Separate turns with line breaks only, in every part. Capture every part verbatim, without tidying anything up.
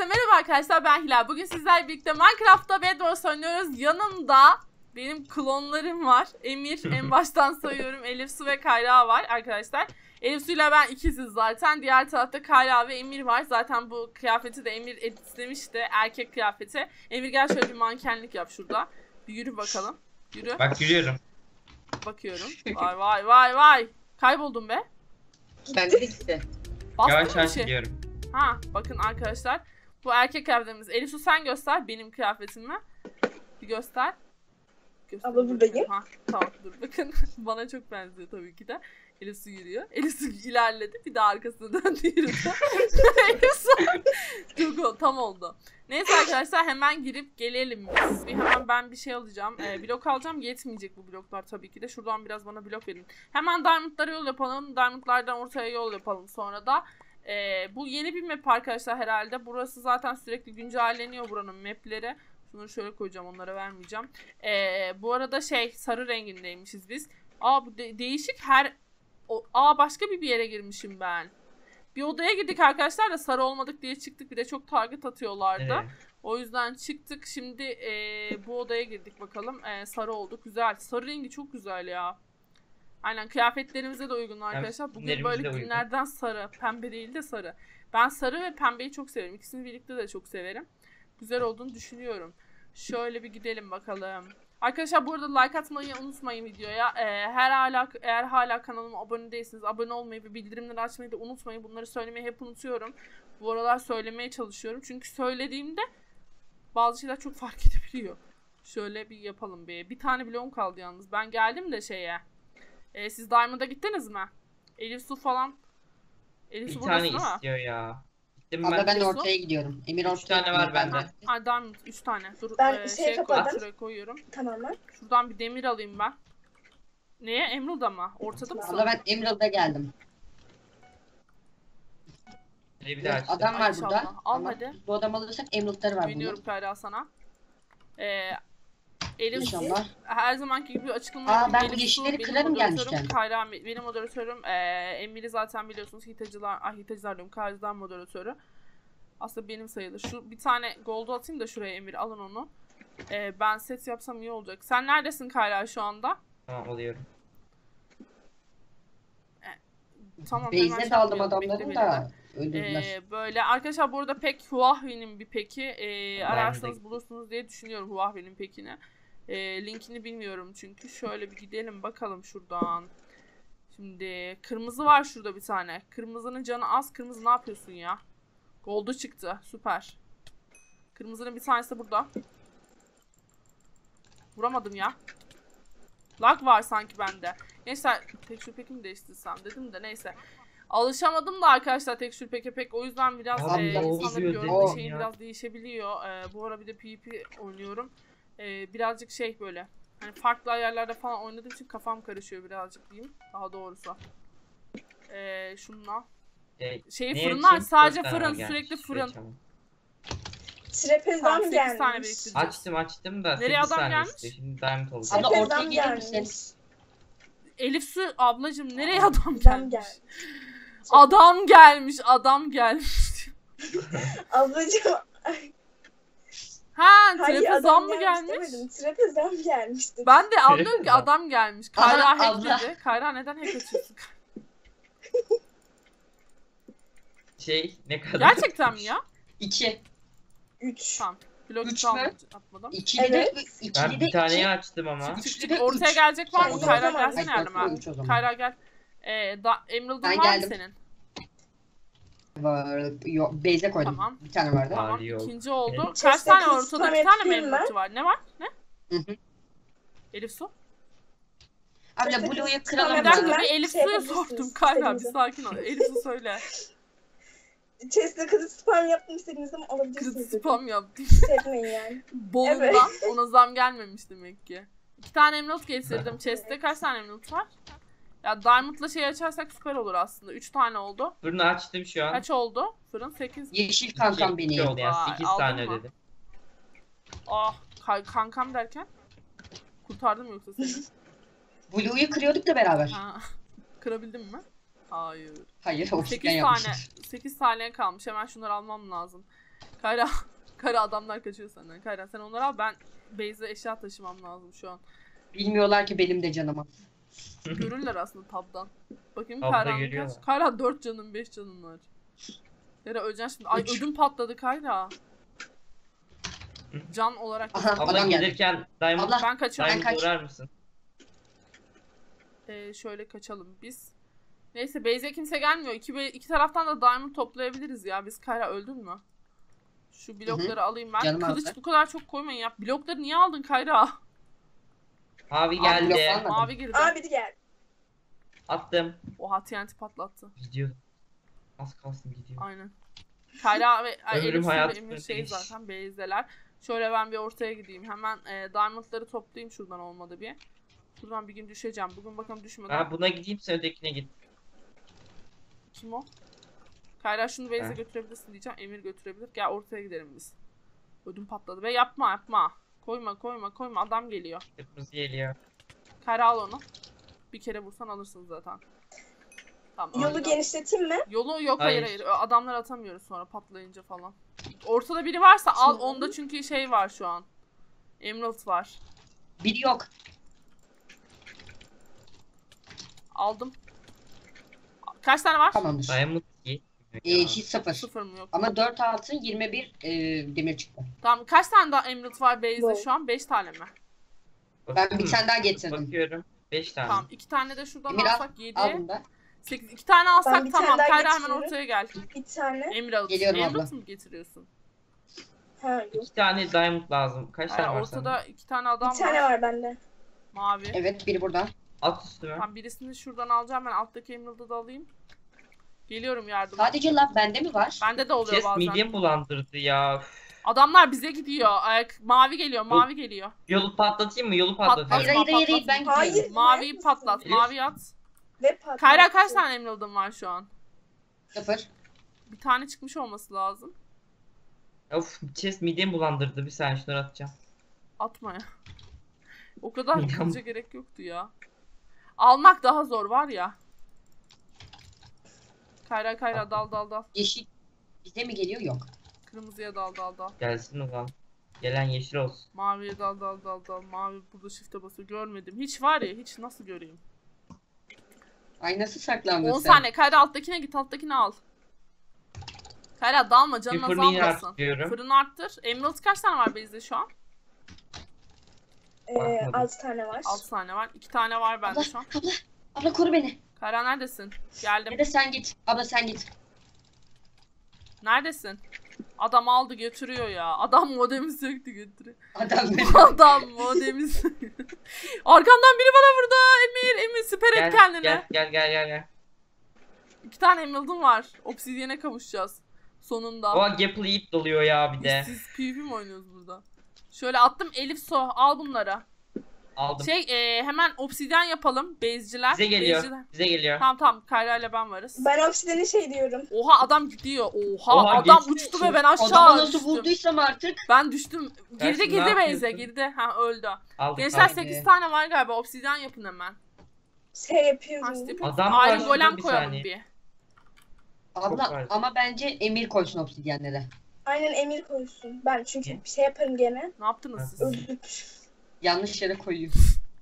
Herkese merhaba arkadaşlar, ben Hilal. Bugün sizlerle birlikte Minecraft'ta Bed Wars oynuyoruz. Yanımda benim klonlarım var. Emir, en baştan sayıyorum. Elif Su ve Kayra var arkadaşlar. Elif Su ile ben ikiziz zaten. Diğer tarafta Kayra ve Emir var. Zaten bu kıyafeti de Emir editlemişti. Erkek kıyafeti. Emir gel şöyle bir mankenlik yap şurada. Bir yürü bakalım. Yürü.
Bak yürüyorum.
Bakıyorum. Vay vay vay vay. Kayboldum be.
Ben de gitti.
Yavaş yavaş
şey.
gidiyorum.
Ha bakın arkadaşlar. Bu erkek kıyafetimiz. Elif Su sen göster benim kıyafetimi. Bir göster. göster
Abla buradayım.
Ha tamam dur bakın. Bana çok benziyor tabii ki de. Elif Su yürüyor. Elif Su ilerledi. Bir de arkasına döndü yürüdü. Elif Su çok tam oldu. Neyse arkadaşlar hemen girip gelelim biz. Bir hemen ben bir şey alacağım. Ee, blok alacağım. Yetmeyecek bu bloklar tabii ki de. Şuradan biraz bana blok verin. Hemen diamondlara yol yapalım. Diamondlardan ortaya yol yapalım sonra da. Ee, bu yeni bir map arkadaşlar herhalde. Burası zaten sürekli güncelleniyor buranın mapleri. Şunları şöyle koyacağım, onlara vermeyeceğim. Ee, bu arada şey sarı rengindeymişiz biz. Aa bu de değişik her... O, aa başka bir bir yere girmişim ben. Bir odaya girdik arkadaşlar da sarı olmadık diye çıktık. Bir de çok target atıyorlardı. Evet. O yüzden çıktık. Şimdi ee, bu odaya girdik bakalım. Ee, sarı olduk. Güzel. Sarı rengi çok güzel ya. Aynen kıyafetlerimize de uygun arkadaşlar. Bugün böyle günlerden sarı. Pembe değil de sarı. Ben sarı ve pembeyi çok severim. İkisini birlikte de çok severim. Güzel olduğunu düşünüyorum. Şöyle bir gidelim bakalım. Arkadaşlar bu arada like atmayı unutmayın videoya. Ee, her hala, eğer hala kanalıma abone değilseniz abone olmayı ve bildirimleri açmayı da unutmayın. Bunları söylemeyi hep unutuyorum. Bu aralar söylemeye çalışıyorum. Çünkü söylediğimde bazı şeyler çok fark edebiliyor. Şöyle bir yapalım bir. Bir tane bloğum kaldı yalnız. Ben geldim de şeye. Ee, siz Diamond'a gittiniz mi? Elif Su falan. Elif Su
bir tane
ama.
istiyor ya. Gittim
Abla
ben.
ben de ortaya gidiyorum. Emir ortaya.
üç tane var bende.
Ha Diamond üç tane. Dur
Ben
e,
şey
şey
kapadım.
koy, şuraya koyuyorum.
Tamamen.
Şuradan bir demir alayım ben. Neye? Emerald'a mı? Ortada mısın?
Abla ben Emerald'a geldim.
Bir daha açtım.
Adam var
Ay,
burada.
inşallah. Al
Ama
hadi.
bu adam alırsak Emerald'ları var
Güveniyorum
bunun.
Kayra sana. Ee, Elif
İnşallah.
her zamanki gibi açıklama
Aa,
yapayım.
ben bu
Elif Su
yeşilleri
benim
kırarım
moderatörüm,
gelmişken.
Kayra benim moderatörüm. Ee, Emir'i zaten biliyorsunuz hitacılar, ah hitacılar diyorum, Kayra'dan moderatörü. Aslında benim sayılır. Şu bir tane gold'u atayım da şuraya Emir, alın onu. Ee, ben set yapsam iyi olacak. Sen neredesin Kayra şu anda?
Tamam alıyorum.
Ee, tamam.
Base'e daldım adamların da öldürdüler.
Ee, böyle arkadaşlar burada pek Huawei'nin bir peki ee, ararsanız bulursunuz diye düşünüyorum Huawei'nin pekini. Ee, linkini bilmiyorum çünkü. Şöyle bir gidelim bakalım şuradan. Şimdi kırmızı var şurada bir tane. Kırmızının canı az. Kırmızı ne yapıyorsun ya? Gold'u çıktı. Süper. Kırmızının bir tanesi de burada. Vuramadım ya. Lag var sanki bende. Neyse tekstür peki mi değiştirsem dedim de neyse. Alışamadım da arkadaşlar tekstür peki pek, o yüzden biraz
Abi,
e, insanların gördüğü
o,
şeyin
ya.
biraz değişebiliyor. E, bu ara bir de PvP oynuyorum. E, birazcık şey böyle. Hani farklı ayarlarda falan oynadığım için kafam karışıyor birazcık diyeyim. Daha doğrusu. E, şununla.
Şey,
Şeyi
ne
fırınlar
için?
sadece
Dört tane
fırın,
var,
sürekli
gelmiş.
fırın.
Tamam.
Trapezan
sekiz tane
gelmiş.
biriktireceğiz.
Açtım açtım da
Nereye
sekiz
adam
tane
gelmiş?
istiyor. Şimdi diamond olacak.
Abla ortaya
Trapezan
gelir misin?
gelmiş.
Elif Su ablacığım nereye adam
Adam
gelmiş?
gelmiş.
Adam gelmiş, adam gelmiş.
Ablacığım.
Ha,
Hayır,
trapezan
adam
mı
gelmiş
gelmiş?
demedim. Trapezan gelmişti.
Ben de anlıyorum ki
Trapezan.
adam gelmiş. Kayra
Aha,
hack
abla.
dedi. Kayra neden hack açıyorsun?
Şey ne kadar?
Gerçekten mi ya?
İki.
Üç.
Tamam. Blok
Üç
üç
mü?
atmadım.
İkili
Evet.
de
Ben
ikili de
bir taneyi
iki.
açtım ama.
Çık çık
Üçlü
çık.
de
Ortaya
üç.
gelecek var mı?
Sen
Kayra
o zaman-
gelsene
Ay,
yardıma.
üç o zaman.
Kayra gel. Ee, da, Emerald'ın
Ben
var mı
geldim.
senin?
Var. Yok, base'e koydum.
Tamam.
Bir tane vardı.
Var.
Tamam.
yok.
İkinci oldu.
Evet.
Kaç
Chest'e
tane var
kız
ortada?
spam
Bir tane mi
yapayım
Emerald'ı var? Ne var? Ne?
Hı hı.
Elif Su?
Abla
Chest'e
Blue'yu
kız
kıralım
spam
Bir dakika
mı?
yapayım.
bir Elif
Şey
Su'ya
yapabilirsiniz,
sordum. Kayra bir
istediğinizi.
sakin ol. Elif Su söyle.
Chest'e kızı spam yaptım istediğiniz zaman
Kız
alabilirsiniz. dedim.
spam yaptı.
Sevmeyin yani.
Bolundan
Evet.
ona zam gelmemiş demek ki. İki tane emerald getirdim. Chest'te kaç tane emerald var? Ya Diamond'la şey açarsak süper olur aslında. Üç tane oldu.
Fırını açtım şu an.
Kaç oldu? Fırın sekiz.
Yeşil kankam
İki- iki
beni.
oldu yani.
Vay,
sekiz
aldın
tane
mı?
ödedim.
Ah kay- kankam derken? Kurtardım mı yoksa seni?
Blue'yu kırıyorduk da beraber.
Ha. Kırabildin mi? Hayır.
Hayır, o
sekiz
cidden
tane.
yapmışız.
sekiz tane kalmış. Hemen şunları almam lazım. Kayra. Kayra adamlar kaçıyor senden. Kayra sen onları al, ben base'e eşya taşımam lazım şu an.
Bilmiyorlar ki benim de canıma.
Görürler aslında tabdan. Bakayım
Tabda
Kayra'nın
görüyorlar.
kaç? Kayra dört canım beş canım var. Kayra öleceksin şimdi. Ay
Üç.
ödüm patladı Kayra. Can olarak.
Aha
Abla
adam geldi.
gelirken Diamond,
Abla.
Ben kaçıyorum.
Ben
Diamond
kaç-
uğrar mısın?
Ee, şöyle kaçalım biz. Neyse base'e kimse gelmiyor. İki, be- iki taraftan da diamond toplayabiliriz ya. Biz Kayra öldün mü? Şu blokları alayım ben.
Canım
Kılıç
aldı.
bu kadar çok koymayın ya. Blokları niye aldın Kayra?
Mavi
Abi, yok
geldi.
almadım.
Mavi girdi.
Aa biri geldi.
Attım.
Oha T N T patlattı.
Gidiyor. Az kalsın gidiyor.
Aynen. Kayra ve ay,
Ömrüm
Elif Su ve
hayatım
Emir şey
ödemiş.
zaten base'deler. Şöyle ben bir ortaya gideyim. Hemen e, diamondları toplayayım şuradan olmadı bir. Şuradan bir gün düşeceğim. Bugün bakalım düşmeden.
Ha buna gideyim, sen ötekine git.
Kim o? Kayra şunu base'e
Ha.
götürebilirsin diyeceğim. Emir götürebilir. Gel ortaya gidelim biz. Ödüm patladı. Ve yapma yapma. Koyma koyma koyma. Adam geliyor.
Kırmızı geliyor.
Kayra al onu. Bir kere vursan alırsın zaten. Tamam.
Yolu
öldü.
genişleteyim mi?
Yolu yok hayır
Hayır.
hayır. Adamlar atamıyoruz sonra patlayınca falan. Ortada biri varsa al.
Şimdi.
Onda çünkü şey var şu an. Emerald var.
Biri yok.
Aldım. Kaç tane var?
Tamamdır.
Diamond yetmiyor
Ee,
ya.
hiç sıfır.
Sıfır mı yok?
Ama dört altın yirmi bir e, demir çıktı.
Tamam. Kaç tane daha Emerald var base'de
Bu.
şu an? beş tane mi?
Ben
Bakın,
bir tane daha getirdim.
Bakıyorum. beş tane.
Tamam. iki tane de şuradan
Emir al,
alsak yedi.
Al bunu da.
sekiz. iki tane alsak
bir
tamam.
tane daha
Kayra hemen
getiriyorum.
ortaya gel.
Bir tane.
Emerald.
Geliyorum
Emerald
abla.
mı getiriyorsun?
Ha yok.
İki tane Diamond lazım. Kaç
Hayır,
tane var
ortada
sende?
iki tane adam
Bir tane
var.
var bende.
Mavi.
Evet biri burada.
At üstüme.
Tamam birisini şuradan alacağım, ben alttaki Emerald'ı da alayım. Geliyorum yardıma.
Sadece laf bende mi var?
Bende de oluyor
Chest
bazen.
midem bulandırdı ya.
Adamlar bize gidiyor. Ayak mavi geliyor, mavi geliyor.
Yolu patlatayım mı? Yolu
Patlat.
patlatayım.
Hayır hayır hayır, hayır ben
Hayır.
gidiyorum.
Maviyi patlat,
Elif.
mavi at.
Ve patlattı.
Kayra kaç tane Emerald'ın var şu an?
Sıfır.
Bir tane çıkmış olması lazım.
Of, chest midem bulandırdı. Bir saniye şunları atacağım.
Atma ya. O kadar
Midem-
kılıca gerek yoktu ya. Almak daha zor var ya. Kayra Kayra dal dal dal.
Yeşil bize mi geliyor? Yok.
Kırmızıya dal dal dal.
Gelsin ulan. Gelen yeşil olsun.
Maviye dal dal dal dal. Mavi burada shift'e basıyor. Görmedim. Hiç var ya, hiç nasıl göreyim.
Ay nasıl saklandın
on
sen?
saniye. Kayra alttakine git, alttakini al. Kayra dalma, canın
Bir fırını yine
azalmasın.
arttırıyorum.
Fırını arttır. Emerald kaç tane var base'de şu an?
Ee,
Bakmadım.
altı tane var.
altı tane var. iki tane var bende
Abla,
şu an.
abla, abla koru beni.
Kayra neredesin? Geldim.
Ya da sen git. Abla sen git.
Neredesin? Adam aldı götürüyor ya. Adam modemi söktü götürüyor.
Adam beni.
Adam modemi söktü. Arkamdan biri bana vurdu. Emir, Emir siper et
Gel,
kendine.
gel gel gel gel gel.
İki tane emerald'ım var. Obsidiyen'e kavuşacağız. Sonunda.
O Gapple Eat doluyor ya bir de.
Biz PvP mi oynuyoruz burada? Şöyle attım, Elif Su al bunları.
Aldım.
Şey e, hemen obsidyen yapalım base'ciler.
Bize geliyor.
Base'ciler.
Bize geliyor.
Tamam tamam, Kayra ile ben varız.
Ben obsideni şey diyorum.
Oha adam gidiyor. Oha,
Oha,
adam
geçti.
uçtu ve ben aşağı
Adamı nasıl
düştüm.
vurduysam artık.
Ben düştüm. Girdi
Dersin, ne
girdi base'e
yapıyorsun?
girdi. Ha öldü.
Aldık.
Gençler
aldık.
sekiz tane var galiba. Obsidyen yapın hemen.
Şey yapıyorum.
Ha, step-
Adam var
Iron
şurada,
Golem
bir
koyalım
saniye.
bir.
Abla
var.
ama bence Emir koysun obsidyenlere.
Aynen Emir koysun. Ben çünkü
Ne?
bir şey yaparım gene.
Ne yaptınız
Ha.
siz?
Öldük.
Yanlış yere koyuyor.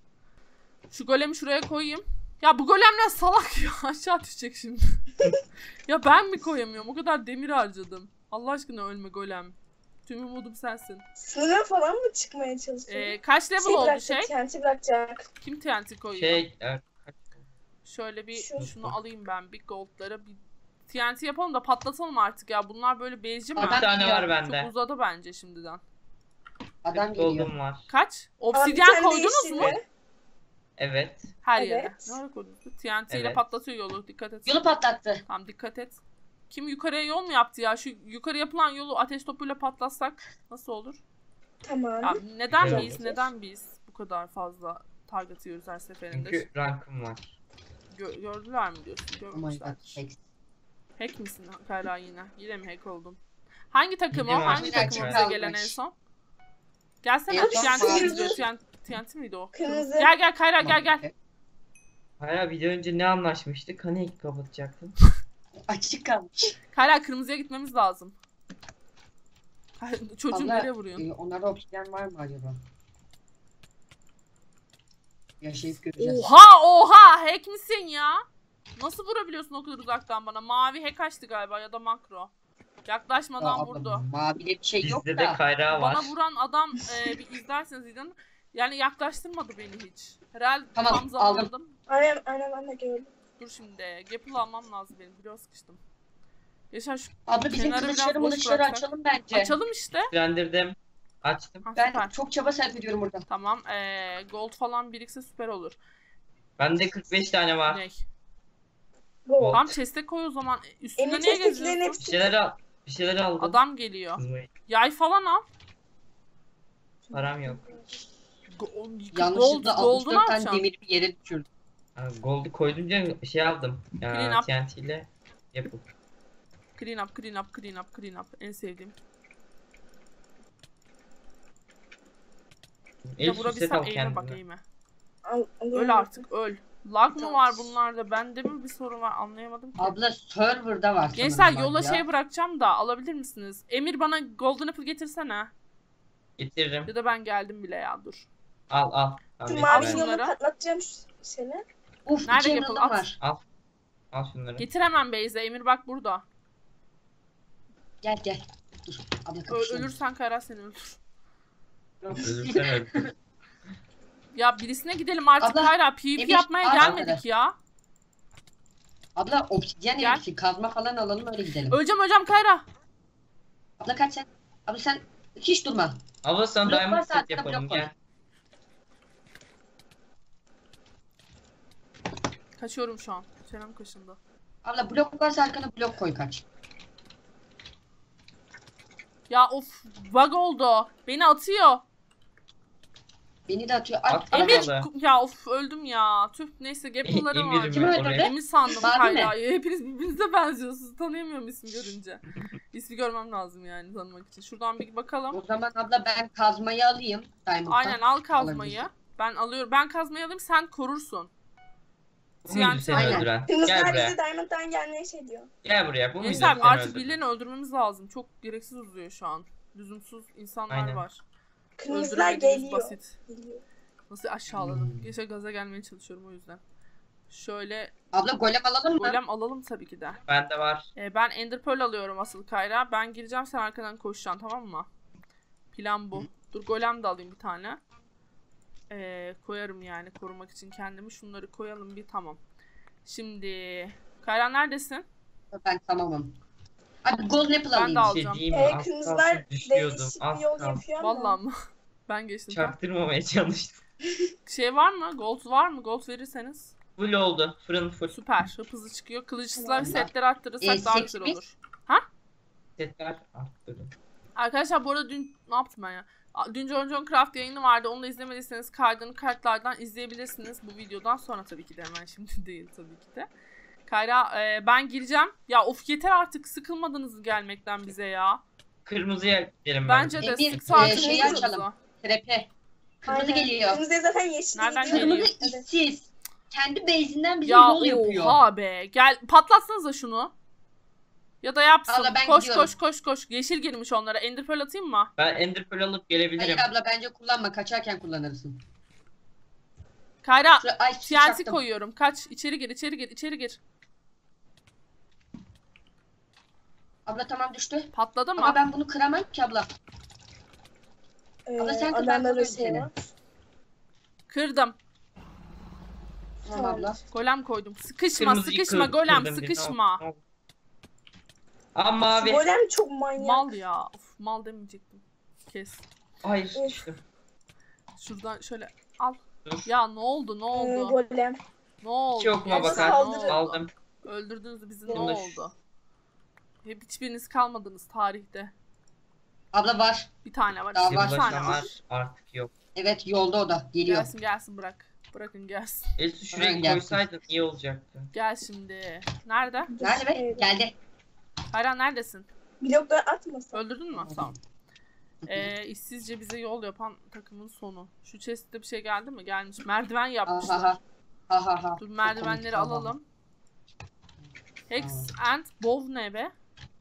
Şu golemi şuraya koyayım. Ya bu golemler salak ya. Aşağı düşecek şimdi. Ya ben mi koyamıyorum? O kadar demir harcadım. Allah aşkına ölme golem. Tüm umudum sensin.
Sınıra falan mı çıkmaya çalışıyor?
Ee, kaç level
şey
oldu
bırakacak,
şey?
kenti bırakacak.
Kim T N T koyuyor?
Şey, e,
Şöyle bir
Şu.
şunu alayım ben, bir goldlara bir T N T yapalım da patlatalım artık ya. Bunlar böyle bezci mi?
Adam
bir tane var
geliyor.
bende.
Çok uzadı bence şimdiden.
Adam
Kırk
geliyor.
gold'um var.
Kaç?
Ama bir
Obsidyen
tane
koydunuz
yeşil
mu?
ve-
Evet.
Her
Evet.
yere. Ne ara koydunuz? T N T ile
Evet.
patlatıyor yolu. Dikkat et.
Yolu patlattı.
Tamam dikkat et. Kim yukarıya yol mu yaptı ya? Şu yukarı yapılan yolu ateş topuyla patlatsak nasıl olur?
Tamam.
Ya neden
Güzel
biz?
olur.
Neden biz bu kadar fazla target yiyoruz her seferinde?
Çünkü rankım var.
Gö- gördüler mi diyorsun?
Oh my
Görmüşler.
god. thanks.
Hack misin Kayra yine? Yine mi hack oldun? Hangi takım o?
Yine
Hangi
var.
takım bize
Kalmış.
gelen en son? Gelsene.
En son
T N T
mavi.
izliyor. T N T T N T miydi o?
Kırmızı.
Gel gel Kayra gel gel.
Hayır, video önce ne anlaşmıştık? Hani ilk kapatacaktın?
Açık kalmış.
Kayra kırmızıya gitmemiz lazım. Çocuğu
Abla,
nereye vuruyorsun?
e, onlarda obsidyen var mı acaba? Yaşayıp göreceğiz.
Oha oha hack misin ya? Nasıl vurabiliyorsun o kadar uzaktan bana? Mavi hack açtı galiba ya da makro. Yaklaşmadan
Ya abla,
vurdu.
Mavide bir şey yok
Bizde
da.
de kayrağı var.
Bana vuran adam e, bir izlerseniz izleyin. Yani yaklaştırmadı beni hiç. Herhalde
Tamam,
tam zamanladım.
Aynen aynen ben de gördüm.
Dur şimdi. Gapple almam lazım benim. Biraz sıkıştım. Yaşar şu
Abla bizim
kenarı biraz
kılıçları
boş
mılıçları
bıraksak.
açalım bence.
açalım işte.
Güçlendirdim. Açtım.
Ha,
Ben
süper.
çok çaba sarf ediyorum burada.
Tamam. E, gold falan birikse süper olur.
Bende kırk beş tane var.
Ney?
Go.
Tam chest'e koy o zaman. E, Üstünde
Emir
niye
chest'tekilerin
geziyorsun?
Bir
hepsi.
şeyler al. Bir şeyler aldım.
Adam geliyor.
Kızmayın.
Yay falan al.
Param yok.
Go- gold,
Yanlışlıkla
gold'u
altmış
ne
dört tane
yapacaksın?
demir bir yere düşürdüm.
Ha, Gold'u koydunca şey aldım.
Clean
Ya,
up.
T N T ile yapıp.
Clean up, clean up, clean up, clean up. En sevdiğim.
El
Ya
süset
vurabilsem
al
eğime bak
kendine.
eğime.
Al, alıyorum.
Öl artık öl. Lag mı
Tamam.
var bunlarda? Bende mi bir sorun var anlayamadım ki.
Abla serverda var
Gençler
sanırım
yola
bak ya.
şey bırakacağım da alabilir misiniz? Emir bana golden apple getirsene.
Getiririm.
Ya da ben geldim bile ya dur.
Al al.
Şu
Tamam,
mavi
ben-
şunları.
yolu patlatacağım şu seni.
Uf
Nerede
iki
yapıl-
emerald'ım
at.
var.
Al. Al şunları.
Getir hemen Beyze. Emir bak burada.
Gel gel. Dur. Abla
Ö-
kapışalım.
ölürsen Kara seni öldür.
Ölürsen öldür.
Ya birisine gidelim artık
Abla,
Kayra. PvP
Emir,
yapmaya
al
gelmedik
onları.
ya.
Abla obsidyen
Gel.
elbisi kazma falan alalım öyle gidelim.
Öleceğim öleceğim Kayra.
Abla kaç sen? Abla sen hiç durma.
Abla sana
Blok
diamond
varsa
set
arkada
yapalım
blok var.
gel.
Kaçıyorum şu an. Çenem kaşındı.
Abla blok varsa arkana blok koy kaç.
Ya of bug oldu. Beni atıyor.
Beni de atıyor. At,
At,
abla,
Emir
Vallahi.
ya of öldüm ya. Tüh neyse gapıllarım var.
Emir'im
Kim
ben
öldürdü?
oraya.
Emir sandım
Mavi mi?
Kayra'yı. Hepiniz birbirinize benziyorsunuz. Tanıyamıyorum ismi görünce. İsmi görmem lazım yani tanımak için. Şuradan bir bakalım.
O zaman abla ben kazmayı alayım. Diamond'dan.
Aynen al kazmayı.
Alabilirsin.
Ben alıyorum. Ben kazmayı alayım sen korursun.
Bu muydu
T N T
seni
Aynen.
öldüren?
Kırmızılar
Gel buraya.
bizi Diamond'dan gelmeye şey diyor.
Gel buraya. Bu muydu
Gençler
seni
artık
öldüren?
birilerini öldürmemiz lazım. Çok gereksiz uzuyor şu an. Lüzumsuz insanlar
Aynen.
var.
Kırmızılar
Öldüremediğimiz
geliyor.
basit.
Geliyor.
Nasıl aşağıladım.
Hmm.
Geçe gaza gelmeye çalışıyorum o yüzden. Şöyle
Abla golem alalım mı?
golem alalım tabii ki de.
Bende var.
Ee, ben Ender Pearl alıyorum asıl Kayra. Ben gireceğim sen arkadan koşacaksın tamam mı? Plan bu. Dur golem de alayım bir tane. Ee, koyarım yani korumak için kendimi. Şunları koyalım bir tamam. Şimdi Kayra neredesin?
Ben tamamım. Abi golden apple
Ben
alayım.
de
Bir
alacağım.
şey diyeyim mi?
Ee,
Az
kırmızılar
kalsın düşüyordum.
değişik
Az
bir yol
kalsın.
yapıyor ama.
Vallahi mı? Ben geçtim. Tamam.
Çaktırmamaya çalıştım.
Şey var mı? Gold var mı? Gold verirseniz.
Full oldu. Fırın full.
Süper. Hıp hızlı çıkıyor. Kılıçsızlar
Tamam.
setleri arttırırsak
Ee,
daha
set
güzel
mi?
olur.
Setler arttırdım.
Arkadaşlar bu arada dün ne yaptım ben ya? A- Dün John John Craft yayını vardı. Onu da izlemediyseniz kaydını kartlardan izleyebilirsiniz. Bu videodan sonra tabii ki de hemen şimdi değil tabii ki de. Kayra e, ben gireceğim. Ya of yeter artık sıkılmadınız gelmekten bize ya.
Kırmızıya gidelim
Bence de
Emir,
sık saati
e, şeyi
buluruz
açalım.
da.
Trepe. Kırmızı
Aynen.
geliyor.
Kırmızı zaten yeşil
Nereden
gidiyor.
geliyor?
Kırmızı işsiz. Kendi base'inden bize
Ya
yol yapıyor.
oha be. Gel patlatsanıza şunu. Ya da yapsın.
Abla, ben
koş
gidiyorum.
koş koş koş. Yeşil girmiş onlara. Ender Pearl atayım mı?
Ben Ender Pearl alıp gelebilirim.
Hayır abla bence kullanma. Kaçarken kullanırsın.
Kayra
Şuraya, ay,
T N T
çaktım.
koyuyorum. Kaç. İçeri gir içeri gir içeri gir.
Abla tamam düştü.
Patladı mı?
Ama ben bunu kıramam ki abla.
Ee,
Abla sen kır, ben
adamda da
koruyorum
şey
seni.
var.
Kırdım.
Tamam abla.
Golem koydum. Sıkışma
Kırmızıyı
sıkışma
kır-
golem
kırdım bir.
sıkışma.
Ne oldu? Aa mavi.
Golem çok manyak.
Mal ya. Of, mal demeyecektim. Kes.
Hayır
Of.
düştüm.
Şuradan şöyle al.
Dur.
Ya ne oldu ne
Ee,
oldu?
golem.
Ne oldu?
Hiç okuma
Hepsi
bakar.
ne
Saldırı.
oldu?
Aldım.
Öldürdünüz bizi ne
Bunu da şu-
oldu? Hep hiçbiriniz kalmadınız tarihte.
Abla var.
Bir tane var.
Daha
işte,
var.
bir tane var.
Yıldızlar artık yok.
Evet yolda o da. Geliyor.
Gelsin gelsin bırak. Bırakın gelsin.
Elsu şuraya
Hemen gelsin.
koysaydın iyi olacaktı.
Gel şimdi. Nerede?
Nerede be?
Evet.
Geldi.
Hayran neredesin?
Blokları atmasın.
Öldürdün mü? Tamam. Ee, işsizce bize yol yapan takımın sonu. Şu chest'te bir şey geldi mi? Gelmiş. Merdiven yapmışlar.
Aha ha. Ha ha ha.
Dur
Çok
merdivenleri
komik.
alalım. Hex and bow ne be?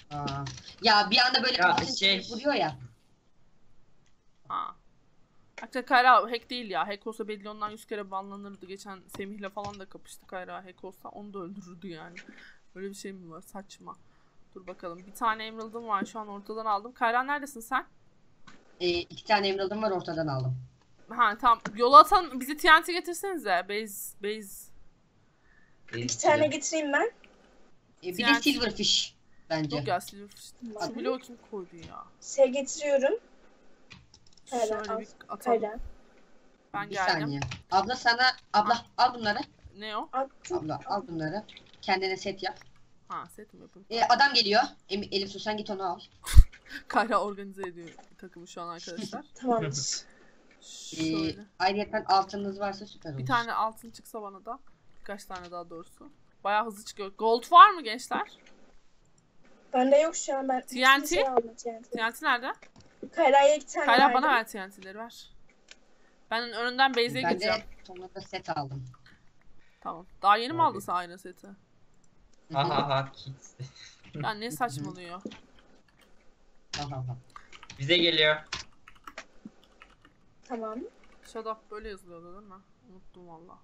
Aa. Ya bir anda böyle
Ya
kafasını
şey-
çevirip vuruyor ya.
Ha. Hatta Kayra hack değil ya. Hack olsa belli ondan yüz kere banlanırdı. Geçen Semih'le falan da kapıştı Kayra. Hack olsa onu da öldürürdü yani. Böyle bir şey mi var? Saçma. Dur bakalım. Bir tane emerald'ım var. Şu an ortadan aldım. Kayra neredesin sen?
Ee, iki tane emerald'ım var, ortadan aldım.
Ha tamam. Yola atan bizi T N T getirsenize. Base. Base.
İki tane getireyim ben.
Ee, bir
Yani-
de silverfish bence.
Yok ya Silverfish. Şu bloğu kim koydu ya?
Şey getiriyorum. Kayra,
Şöyle
al.
bir atalım.
Kayra.
Ben
Bir
geldim.
saniye. Abla sana, abla al bunları.
Ne o?
Attım.
Abla al bunları. Kendine set yap.
Ha set mi yapayım?
Ee, adam geliyor. Em Elif Su sen git onu al.
Kayra organize ediyor takımı şu an arkadaşlar.
Tamamdır.
Ee,
Şöyle.
ayrıca altınız varsa süper olur.
Bir tane altın çıksa bana da. Birkaç tane daha doğrusu. Bayağı hızlı çıkıyor. Gold var mı gençler?
Bende yok şu an, ben.
T N T?
bir şey aldım T N T.
T N T nerede?
Kayra'ya iki tane
Kayra
verdim.
bana ver T N T'leri ver. Ben önünden base'e
Ben
gideceğim.
de sonunda set aldım.
Tamam. Daha yeni mi
Abi.
aldın sen aynı seti?
Ha ha ha kids.
Ya ne saçmalıyor.
Ha, ha, ha.
Bize geliyor.
Tamam.
Shut up böyle yazılıyordu değil mi? Unuttum valla.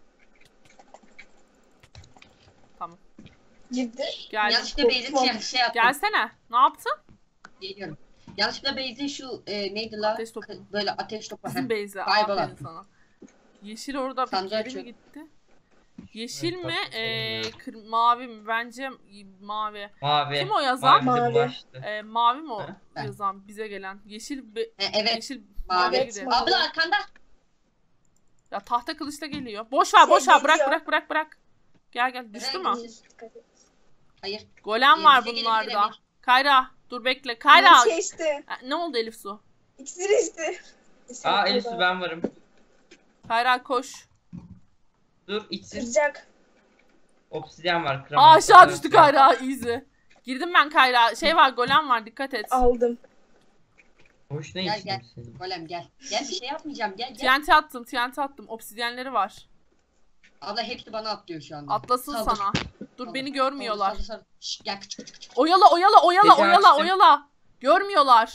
Tamam.
Girdi.
Geldim.
Yanlışlıkla Beyz'in şey, şey yaptım.
Gelsene. Ne yaptın?
Geliyorum. Yanlışlıkla Beyz'in şu e, neydi la?
Ateş topu.
K- Böyle ateş topu.
Bizim
Heh.
base'e.
Kaybol
Aferin
attım.
sana. Yeşil orada
Sandığı
geri mi
açıyorum.
gitti? Yeşil
Evet,
mi?
tatlı
Ee,
sorun ya.
kır- mavi mi? Bence mavi.
Mavi.
Kim o yazan?
Mavi bize
Mavi.
bulaştı.
Ee, mavi mi o
Ha?
Ben.
yazan bize gelen? Yeşil be-
E, evet.
yeşil
Mavi.
maviye
Evet,
gidelim.
mavi.
Abla arkanda.
Ya tahta kılıçla geliyor. Boş ver, boş
Şey
ver. Bırak,
geliyor.
bırak, bırak, bırak. Gel gel. Düştü
Evet,
mü?
düştü.
Dikkat et.
Hayır.
Golem
Ee,
var
bize gelin,
bunlarda.
bize
Kayra, dur bekle. Kayra.
Şey işte.
Ha, Ne oldu Elif Su?
İkisi işte.
Aa Elif Su ben varım.
Kayra koş.
Dur içsiz.
Kıracak.
Obsidyen var.
Aa
kıramam.
aşağı düştü Kayra. Easy. Girdim ben Kayra. Şey var, golem var. Dikkat et.
Aldım.
Boşuna
Gel,
içtim
gel.
seni.
Golem gel. Gel bir şey yapmayacağım. Gel gel.
T N T attım, T N T attım. Obsidyenleri var.
Abla hepsi bana atlıyor şu anda.
Atlasın
Saldır.
sana. Dur
Saldır,
beni görmüyorlar.
saldır, saldır. Şşş, gel küçük küçük küçük.
Oyala, oyala, oyala,
Peki,
oyala,
açtım.
oyala. Görmüyorlar.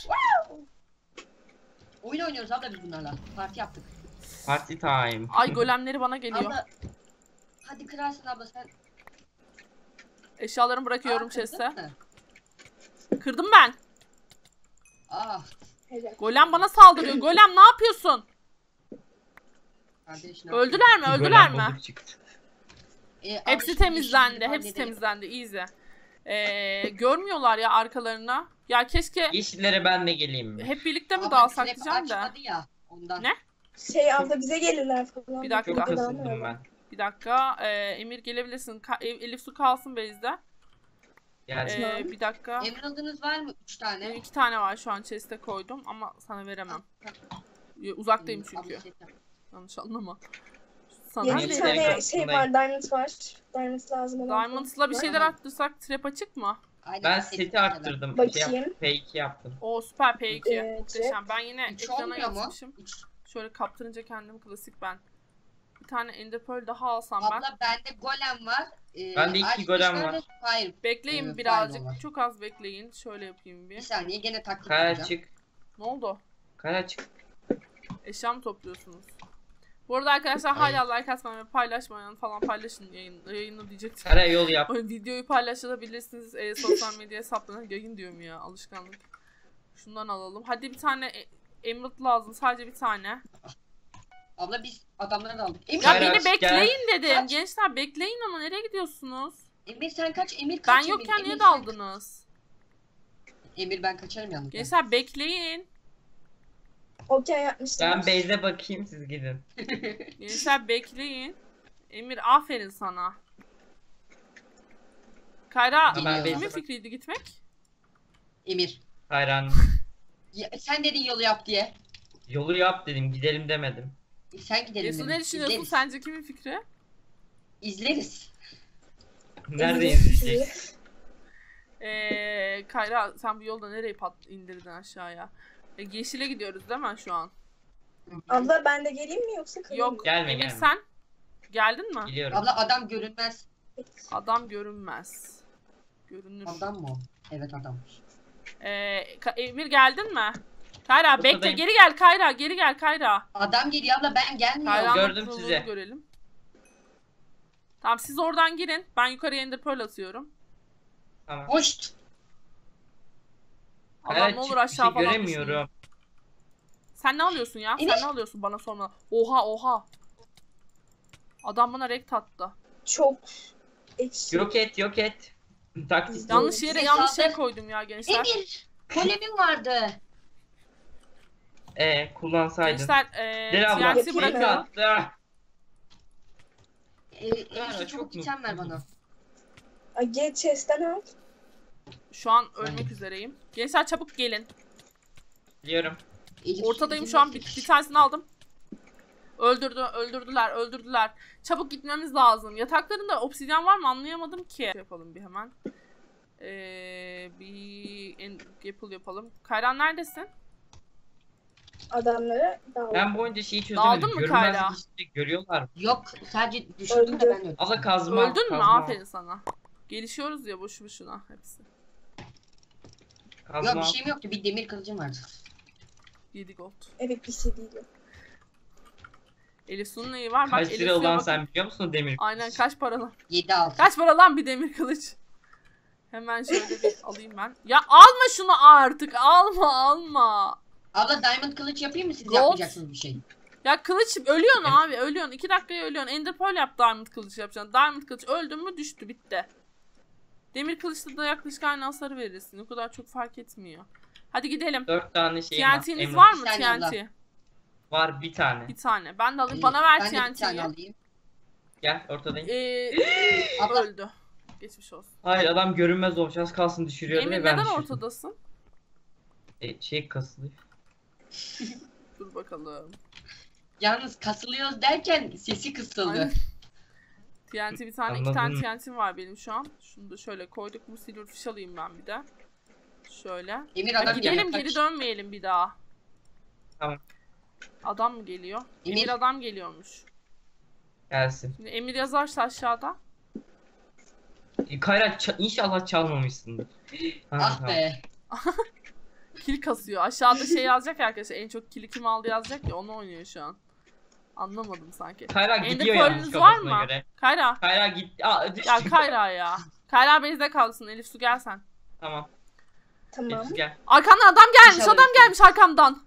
Oyun oynuyoruz abla biz bunlarla. Parti yaptık.
Party time.
Ay golemleri bana geliyor.
Abla. Hadi kırarsın abla sen.
Eşyalarımı bırakıyorum
Aa, kırdın
chest'e.
mı?
Kırdım ben.
Ah.
Helal.
Golem bana saldırıyor. Golem ne yapıyorsun?
Kardeş, ne
Öldüler mi?
Bir
Öldüler
golem
mi?
balık çıktı.
yapıyorsun? Ee, abla
Hepsi
şimdi
temizlendi.
yeşilleri
Hepsi
halledelim.
temizlendi. Easy. Ee, görmüyorlar ya arkalarına. Ya keşke
Yeşillere ben de geleyim mi?
hep birlikte mi
Abla
dağılsak
trap
diyeceğim de.
açmadı ya, ondan.
Ne?
Şey abla bize gelirler falan.
Bir dakika.
Çok
Buradan
kasıldım
öyle.
ben.
Bir dakika. Ee, Emir gelebilirsin. Ka- E- Elif Su kalsın base'de.
Geldim.
Ee, bir dakika.
Emerald'ınız var mı? Üç
Benim
tane.
iki tane var şu an chest'e koydum ama sana veremem. Ee, Uzaktayım
Hmm, abla
çünkü.
set yap.
Yanlış anlama. Sana
Yedi
Nerede?
tane
Nerede?
şey var. Diamond var. Diamond lazım olan.
Diamonds'la bir
var.
şeyler arttırsak trap açık mı?
Aynen,
Ben
set
seti
yapacağım.
arttırdım. Şey
Bakayım.
yaptım. P iki yaptım.
O süper P iki.
Evet.
Muhteşem. Ben yine
Üç
ekrana
olmuyor mu?
yazmışım.
Üç.
Şöyle kaptırınca kendim klasik ben. Bir tane Ender Pearl daha alsam ben.
Abla bende golem var. Ee,
Bende iki
Arctic
golem
Whisper
var.
ve Fire.
Bekleyin
Evet,
birazcık.
pardon var.
Çok az bekleyin. Şöyle yapayım
Bir
bir.
saniye gene taktik
Kaya
yapacağım.
çık.
Ne oldu?
Kaya çık.
Eşya mı topluyorsunuz? Bu arada arkadaşlar
Hayır.
hala like atmayı ve paylaşmayın falan paylaşın yayın, yayını diyecektim.
Kara yol yap.
O videoyu paylaşabilirsiniz e, sosyal medya hesaplarına. Yayın diyorum ya, alışkanlık. Şundan alalım. Hadi bir tane e, Emerald lazım. Sadece bir tane.
Abla biz adamları da aldık. Emir,
Ya
Gel,
beni
aç,
bekleyin dedim.
Kaç?
Gençler bekleyin ama nereye gidiyorsunuz?
Emir sen kaç? Emir
Ben
kaç? Emir?
yokken niye
Emir,
daldınız?
sen- Emir ben kaçarım yalnız.
Gençler bekleyin.
Okey yapmışlar.
Ben base'e bakayım siz gidin.
Gençler bekleyin. Emir aferin sana. Kayra
Ben
kimin
base'e bak-
fikriydi gitmek?
Emir.
Hayran.
Ya, sen dedin yolu yap diye.
Yolu yap dedim gidelim demedim.
E, sen gidelim
Yesu
dedim.
ne düşünüyorsun?
İzleriz.
Sence kimin fikri?
İzleriz.
Nerede izleyeceksin?
Ee, Kayra sen bu yolda nereye pat indirdin aşağıya? E, yeşile gidiyoruz değil mi şu an?
Abla ben de geleyim mi yoksa kalayım
Yok.
mı?
Gelme,
Emir
gelme.
sen geldin mi?
Biliyorum.
Abla adam görünmez.
Adam görünmez. Görünür.
Adam mı o? Evet adammış.
Ee, Ka- Emir geldin mi? Kayra bekle,
Ortadayım.
geri gel Kayra, geri gel Kayra.
Adam geliyor abla, ben gelmiyorum.
Kayra'nın
Gördüm
kuruluğunu
sizi.
görelim. Tamam siz oradan girin. Ben yukarıya ender pearl atıyorum.
Tamam.
Hoş.
Adam
Evet,
ne olur
çık-
aşağı
bir şey
falan
göremiyorum.
düşmeyin. Sen ne alıyorsun ya?
Emir.
Sen ne alıyorsun bana sorma. Oha oha. Adam bana rekt attı.
Çok ekşi.
Yok et yok et. Taktik.
Yanlış yere
Bize
yanlış şey
saldır.
koydum ya gençler.
Emir. Kolemim vardı.
Ee, kullansaydın.
Gençler eee
Deli abla.
T N T
Yapayım
bırakıyorum.
mı?
attı.
Ee, Elif'e
çok
çabuk item ver bana.
Ay, gel chest'ten al.
Şu an ölmek üzereyim. Gençler çabuk gelin.
Biliyorum.
Elif,
Ortadayım
Elif,
şu an.
Elif.
Bir, bir tanesini aldım. Öldürdü, öldürdüler, öldürdüler. Çabuk gitmemiz lazım. Yataklarında obsidyen var mı anlayamadım ki. Şey yapalım bir hemen. Ee, bir en, Gapple yapalım. Kayran neredesin?
Adamlara dal.
Ben bu oyunda şeyi çözemedim.
Daldın mı
Görünmezlik
Kayra?
işte görüyorlar.
Yok, sadece düşürdüm de
Öldü.
ben öldüm.
Abla kazma.
Öldün mü?
kazma,
Aferin sana. Gelişiyoruz ya boşu boşuna hepsi.
Kazma.
Yok, bir şeyim yoktu. Bir demir kılıcım vardı.
yedi gold.
Evet, bir şey değil.
Elif Su'nun neyi var? Bak
Kaç
Elif
lira
Su'ya
olan
bakın.
sen biliyor musun demir?
Aynen kaç para lan?
yedi altı.
Kaç para lan bir demir kılıç? Hemen şöyle bir alayım ben. Ya alma şunu artık. Alma alma.
Abla diamond kılıç yapayım mı, siz
Gold.
yapmayacaksınız bir şey?
Ya kılıç ölüyorsun
Evet.
abi ölüyorsun. iki dakikaya ölüyorsun. Ender pearl yap diamond kılıç yapacaksın. Diamond kılıç öldün mü düştü bitti. Demir kılıçta da yaklaşık aynı hasarı verirsin. O kadar çok fark etmiyor. Hadi gidelim.
Dört tane şeyim
T
var.
N T'niz
Emre.
var mı
Bir tane
T N
abla.
T?
Var bir tane.
Bir tane. Ben de alayım.
Ee,
Bana ver
ben de bir tane
T N T'yi.
alayım.
Gel ortadayım.
Ee,
Abla.
öldü. Geçmiş olsun.
Hayır adam görünmez olmuş. Az kalsın düşürüyordu
Emir
ve ben
neden
düşürdüm.
ortadasın?
E, şey kasılıyor.
Dur bakalım.
Yalnız kasılıyoruz derken sesi kısıldı.
Aynen. T N T bir tane, iki
Anladım.
tane T N T'm var benim şu an. Şunu da şöyle koyduk. Bu silverfish alayım ben bir de. Şöyle.
Emir
Ya
adam
gidelim
geliyor.
geri
Kaç.
dönmeyelim bir daha.
Tamam.
Adam mı geliyor? Emir,
Emir.
adam geliyormuş.
Gelsin.
Şimdi Emir yazarsa aşağıda.
E, Kayra ça- inşallah çalmamışsındır. Ha,
Ah
tamam.
be.
Kill kasıyor. Aşağıda şey yazacak ya arkadaşlar. En çok kill'i kim aldı yazacak ya onu oynuyor şu an. Anlamadım sanki.
Kayra
Ender
gidiyor yalnız
pearl'ünüz var
kafasına
mı?
göre.
Kayra.
Kayra git. Aa, düştü.
Ya Kayra ya. Kayra base'de kalsın. Elif Su gel sen.
Tamam.
Tamam.
Elif gel.
Arkamdan adam gelmiş.
İnşallah
Adam
Elif-
gelmiş arkamdan.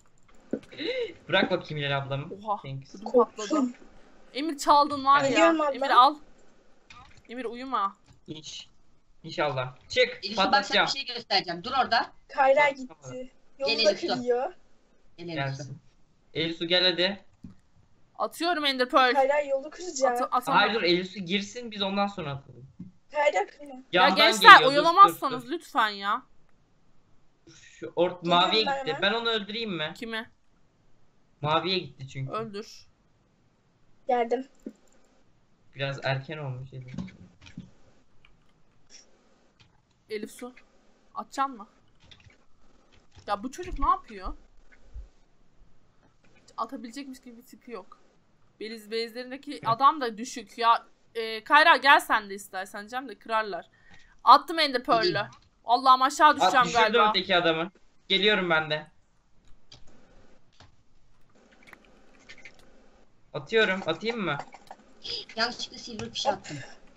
Bırak bakayım Hilal ablamı.
Oha.
Thanks.
Ödüm patladı.
Korktum.
Emir çaldın var ya.
Geliyorum abla.
Emir al. Emir uyuma.
İnş. İnşallah. Çık.
Elif'e bak, sana
Patlatacağım.
bir şey göstereceğim. Dur orada.
Kayra gitti. Yolu
Gel
da
Elif, dur.
kırıyor.
Gel Elif.
Gelsin. Elisu gel hadi.
Atıyorum Ender Pearl.
Kayra yolu kıracak.
At atamam.
Hayır dur Elisu girsin biz ondan sonra atalım.
Kayra kırma.
Ya
Yandan
gençler
geliyor, dur,
oyalamazsanız
dur,
lütfen ya.
dur. Şu ort
Geliyorum
maviye
ben
gitti.
hemen.
Ben onu öldüreyim mi?
Kimi?
Maviye gitti çünkü.
Öldür.
Geldim.
Biraz erken olmuş Elisu.
Elif Su. Atacaksın mı? Ya bu çocuk ne yapıyor? Hiç atabilecekmiş gibi bir tipi yok. Beliz bezlerindeki adam da düşük ya. E, Kayra gel sen de istersen Cem de kırarlar. Attım Ender Pearl'ü.
Gideyim.
Allah'ım aşağı
At
düşeceğim
düşürdüm
galiba.
öteki adamı. Geliyorum ben de. Atıyorum. Atayım mı?
Yanlışlıkla silverfish attım.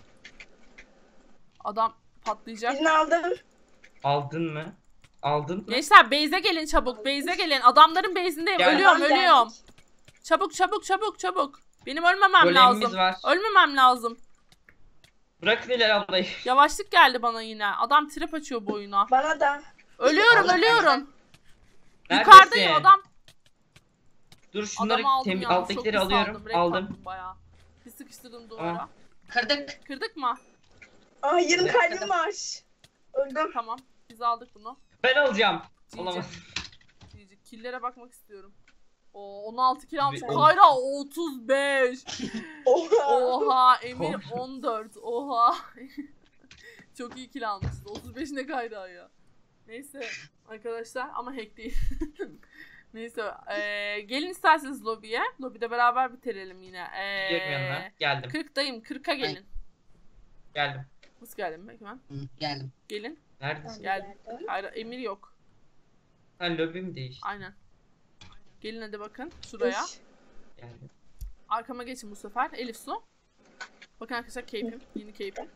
Adam patlayacak.
Birini aldım.
Aldın mı? Aldın mı?
Gençler base'e gelin çabuk. Base'e gelin. Adamların base'indeyim.
Gel.
Ölüyorum
Tamam,
ölüyorum.
geldik.
Çabuk çabuk çabuk çabuk. Benim ölmemem
Golemimiz
lazım.
var.
Ölmemem lazım.
Bırakın Hilal ablayı.
Yavaşlık geldi bana yine. Adam trip açıyor bu oyuna.
Bana da.
Ölüyorum
Allah
ölüyorum.
Neredesin?
Yukarıdayım adam.
Dur şunları
Adamı aldım
temiz
yalnız.
alttakileri
Çok pis
alıyorum.
aldım. Renk
Aldım.
attım bayağı. Bir sıkıştırdım duvara.
Tamam.
Kırdık.
Kırdık mı?
Aa, yarım
Ne?
kalbim var. Öldüm.
Tamam. Biz aldık bunu.
Ben alacağım.
G G.
Olamaz.
G G. Kill'lere bakmak istiyorum. Oo, on altı kill almış.
Bir-
Kayra otuz beş.
Oha.
Oha. Emir on dört. Oha. Çok iyi kill almışsın. otuz beş ne Kayra ya. Neyse arkadaşlar ama hack değil. Neyse ee, gelin isterseniz lobiye. Lobide beraber bitirelim yine.
Gidiyorum yanına.
Ee,
Geldim.
kırktayım. kırka gelin.
Geldim.
Nasıl geldim ben hemen?
Hı, geldim.
Gelin.
Neredesin?
Gel.
Geldim.
Hayır, Emir yok.
Ha lobi mi değişti?
Aynen. Gelin hadi bakın şuraya.
Üş.
Geldim.
Arkama geçin bu sefer. Elif Su. Bakın arkadaşlar keyfim. Yeni keyfim.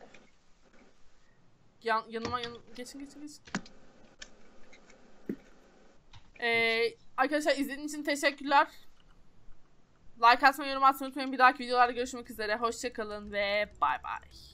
Yan, yanıma yan, geçin geçin geçin. Ee, arkadaşlar izlediğiniz için teşekkürler. Like atmayı, yorum atmayı unutmayın. Bir dahaki videolarda görüşmek üzere. Hoşça kalın ve bay bay.